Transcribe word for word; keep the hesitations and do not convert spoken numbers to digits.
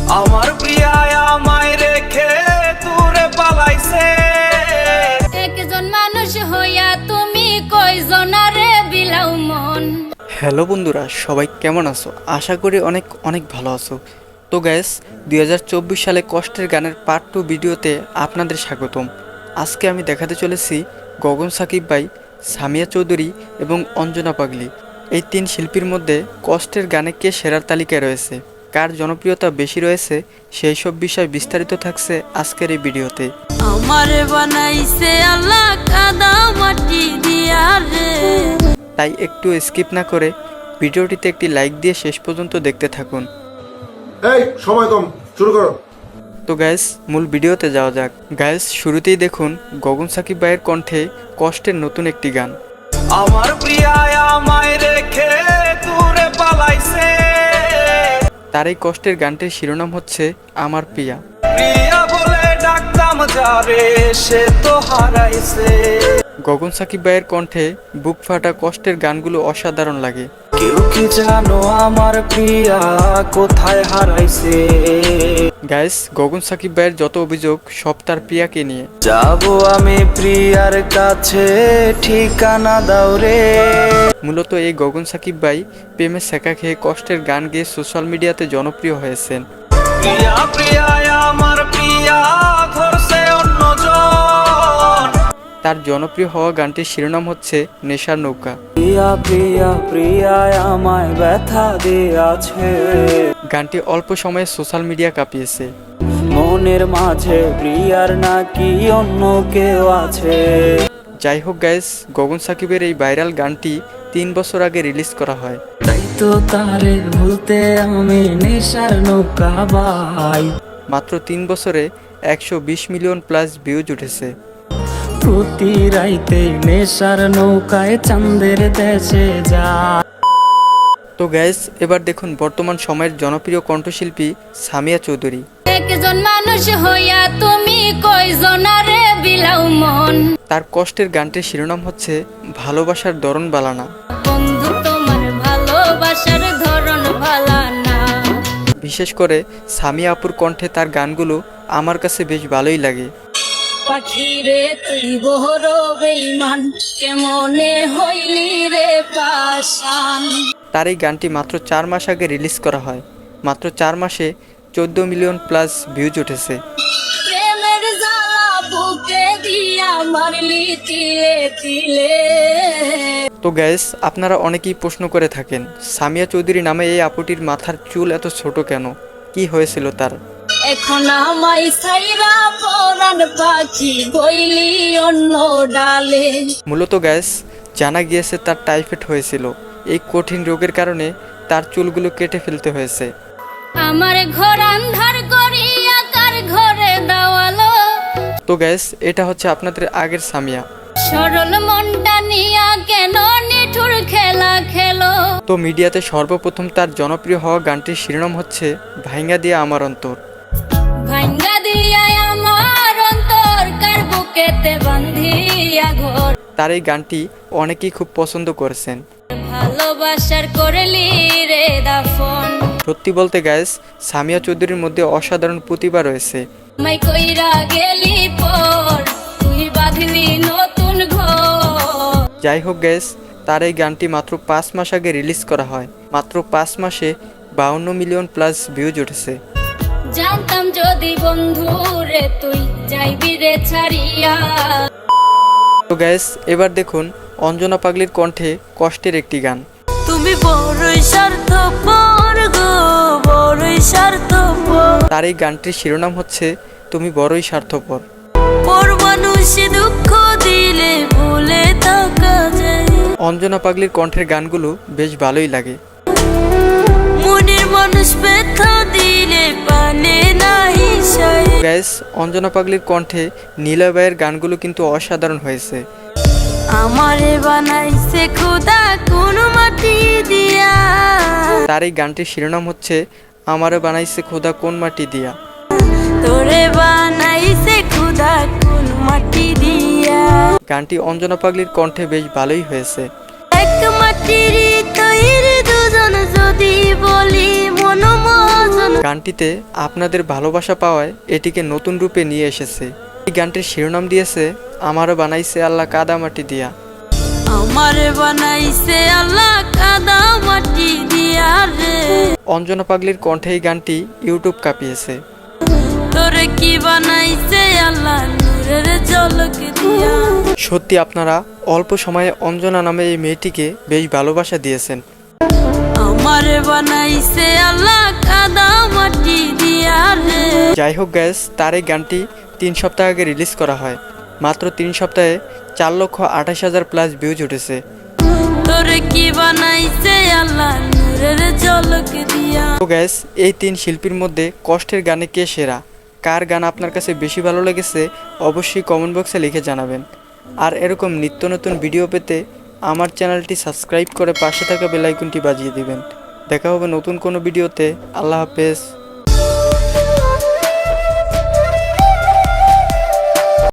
আমার প্রিয়া আমায় রেখে দূরে পালাইছে। একজন মানুষ হইয়া তুমি কয়জনারে বিলাও মন। হ্যালো বন্ধুরা, সবাই কেমন আছো? আশা করি অনেক অনেক ভালো আছো। তো গ্যাস দুই হাজার চব্বিশ সালে কষ্টের গানের পার্ট টু ভিডিওতে আপনাদের স্বাগতম। আজকে আমি দেখাতে চলেছি গগন সাকিব ভাই, সামিয়া চৌধুরী এবং অঞ্জনা পাগলি এই তিন শিল্পীর মধ্যে কষ্টের গানে কে সেরার তালিকায় রয়েছে, কার জনপ্রিয়তা বেশি রয়েছে, সেই সব বিষয় বিস্তারিত থাকছে আজকের এই ভিডিওতে। আমারে বানাইছে আল্লাহ কাদা মাটি দিয়া রে। তাই একটু স্কিপ না করে ভিডিওটিতে একটি লাইক দিয়ে শেষ পর্যন্ত দেখতে থাকুন। এই সময় কম, শুরু করো। তো গাইস মূল ভিডিওতে যাওয়া যাক। গাইস শুরুতেই দেখুন গগন সাকিব ভাইয়ের কণ্ঠে কষ্টের নতুন একটি গান। আমার প্রিয়া আমায় রেখে দূরে পালাইছে। তার এই কষ্টের গানটির শিরোনাম হচ্ছে আমার প্রিয়া। প্রিয়া বলে ডাকতাম যারে সে তো হারাইছে। গগন সাকিব ভাইয়ের কণ্ঠে বুক ফাটা কষ্টের গানগুলো অসাধারণ লাগে। কেউ কি জানো আমার প্রিয়া কোথায় হারাইছে? গাইস গগন সাকিব ভাইয়ের যত অভিযোগ সব তার প্রিয়াকে নিয়ে। যাবো আমি প্রিয়ার কাছে, ঠিকানা দাও রে। মূলত এই গগন সাকিব ভাই প্রেমে শেখা খেয়ে কষ্টের গান গেয়ে সোশ্যাল মিডিয়াতে জনপ্রিয় হয়েছেন। প্রিয়া প্রিয়া আমার প্রিয়া ধরছে অন্যজন। তার জনপ্রিয় হওয়া গানটির শিরোনাম হচ্ছে নেশার নৌকা। প্রিয়া প্রিয়া প্রিয়া আমায় ব্যথা দিয়াছে। গানটি অল্প সময়ে সোশ্যাল মিডিয়া কাঁপিয়েছে। মনের মাঝে প্রিয়ার নাকি অন্য কেউ আছে। যাই হোক গাইস, গগন সাকিবের এই ভাইরাল গানটি তিন বছর আগে রিলিজ করা হয়। তাই তো তারে ভুলতে আমি নেশার নৌকা বাই। মাত্র তিন বছরে একশো বিশ মিলিয়ন প্লাস ভিউজ উঠেছে। প্রতি রাইতে নেশার নৌকায় চাঁদের দেশে যায়। তো গাইস এবার দেখুন বর্তমান সময়ের জনপ্রিয় কণ্ঠশিল্পী সামিয়া চৌধুরী। একজন মানুষ হইয়া তুমি কয়জনারে বিলাও মন। তার কষ্টের গানটির শিরোনাম হচ্ছে ভালোবাসার ধরন বালানা। বন্ধু তোমার ভালোবাসার ধরন ভালা না। বিশেষ করে সামিয়া আপুর কণ্ঠে তার গানগুলো আমার কাছে বেশ ভালোই লাগে। পাখি রে তুই বহর বেঈমান, কেমনে হইলি রে পাশান। তার এই গানটি মাত্র চার মাস আগে রিলিজ করা হয়। মাত্র চার মাসে চোদ্দ মিলিয়ন প্লাস ভিউজ উঠেছে। প্রেমের জ্বালা বুকে দিয়া মারলি তিলে তিলে। তো গ্যাস আপনারা অনেকেই প্রশ্ন করে থাকেন সামিয়া চৌধুরী নামে এই আপুটির মাথার চুল এত ছোট কেন, কি হয়েছিল তার? এখন আমায় ছাইরা পরাণ পাখি বইলি অন্য ডালে। মূলত গ্যাস জানা গিয়েছে তার টাইফয়েড হয়েছিল। এই কঠিন রোগের কারণে তার চুলগুলো কেটে ফেলতে হয়েছে। আমার ঘর আন্ধার করিয়া কার ঘরে দাওয়ালো। তো গ্যাস এটা হচ্ছে আপনাদের আগের সামিয়া। সরল মনটা নিয়া কেন নিঠুর খেলা খেলো। তো মিডিয়াতে সর্বপ্রথম তার জনপ্রিয় হওয়া গানটির শিরোনাম হচ্ছে ভাইঙ্গা দিয়া আমার অন্তর। ভাঙ্গা দিয়া আমার অন্তর কার বুকেতে বান্ধিয়া ঘর। তার এই গানটি অনেকেই খুব পছন্দ করেছেন। ভালোবাসার করলি রে দাফন। সত্যি বলতে গাইস সামিয়া চৌধুরীর মধ্যে অসাধারণ প্রতিভা রয়েছে। মাই কইরা গেলি পর তুই বাঁধলি নতুন ঘর। যাই হোক গাইস তার এই গানটি মাত্র পাঁচ মাস আগে রিলিজ করা হয়। মাত্র পাঁচ মাসে বাউন্ন মিলিয়ন প্লাস ভিউজ উঠেছে। জানতাম যদি বন্ধু রে তুই যাইবি রে ছাড়িয়া। তো গাইস এবার দেখুন অঞ্জনা পাগলির কণ্ঠে কষ্টের একটি গান। তুমি বড়ই স্বার্থপর গো, বড়ই স্বার্থপর। তার এই গানটির শিরোনাম হচ্ছে তুমি বড়ই স্বার্থপর। পর মানুষ দুঃখ দিলে ভুলে থাকা যায়। অঞ্জনা পাগলির কণ্ঠের গানগুলো বেশ ভালোই লাগে। মনের মানুষ ব্যথা দিলে পানে নাহি সয়। গাইস অঞ্জনা পাগলির কণ্ঠে নীলাবাইয়ের গানগুলো কিন্তু অসাধারণ হয়েছে। আমারে বানাইছে খোদা কোন মাটি দিয়া। তার এই গানটির শিরোনাম হচ্ছে আমারে বানাইছে খোদা কোন মাটি দিয়া। তোরে বানাইছে খোদা কোন মাটি দিয়া। গানটি অঞ্জনা পাগলির কণ্ঠে বেশ ভালোই হয়েছে। এক মাটির তৈরি দুজন যদি বলি মন মজন। গানটিতে আপনাদের ভালোবাসা পাওয়ায় এটিকে নতুন রূপে নিয়ে এসেছে। এই গানটির শিরোনাম দিয়েছে আমারও বানাইছে আল্লাহ কাদা মাটি দিয়া। আমারে বানাইছে আল্লাহ কাদা মাটি দিয়া রে। অঞ্জনা পাগলির কণ্ঠে এই গানটি ইউটিউব কাঁপিয়েছে। তোরে কি বানাইছে আল্লাহ নূরের ঝলক দিয়া। সত্যি আপনারা অল্প সময়ে অঞ্জনা নামে এই মেয়েটিকে বেশ ভালোবাসা দিয়েছেন। আমারে বানাইছে আল্লাহ কাদা মাটি দিয়া রে। যাই হোক গ্যাস, তার এই গানটি তিন সপ্তাহ আগে রিলিজ করা হয়। মাত্র তিন সপ্তাহে চার লক্ষ আঠাশ হাজার প্লাস ভিউজ উঠেছে। তোরে কি বানাইছে আল্লাহ নূরের ঝলক দিয়া। তো গ্যাস, এই তিন শিল্পীর মধ্যে কষ্টের গানে কে সেরা, কার গান আপনার কাছে বেশি ভালো লেগেছে অবশ্যই কমেন্ট বক্সে লিখে জানাবেন। আর এরকম নিত্য নতুন ভিডিও পেতে আমার চ্যানেলটি সাবস্ক্রাইব করে পাশে থাকা বেল আইকনটি বাজিয়ে দিবেন। দেখা হবে নতুন কোনো ভিডিওতে। আল্লাহ হাফেজ।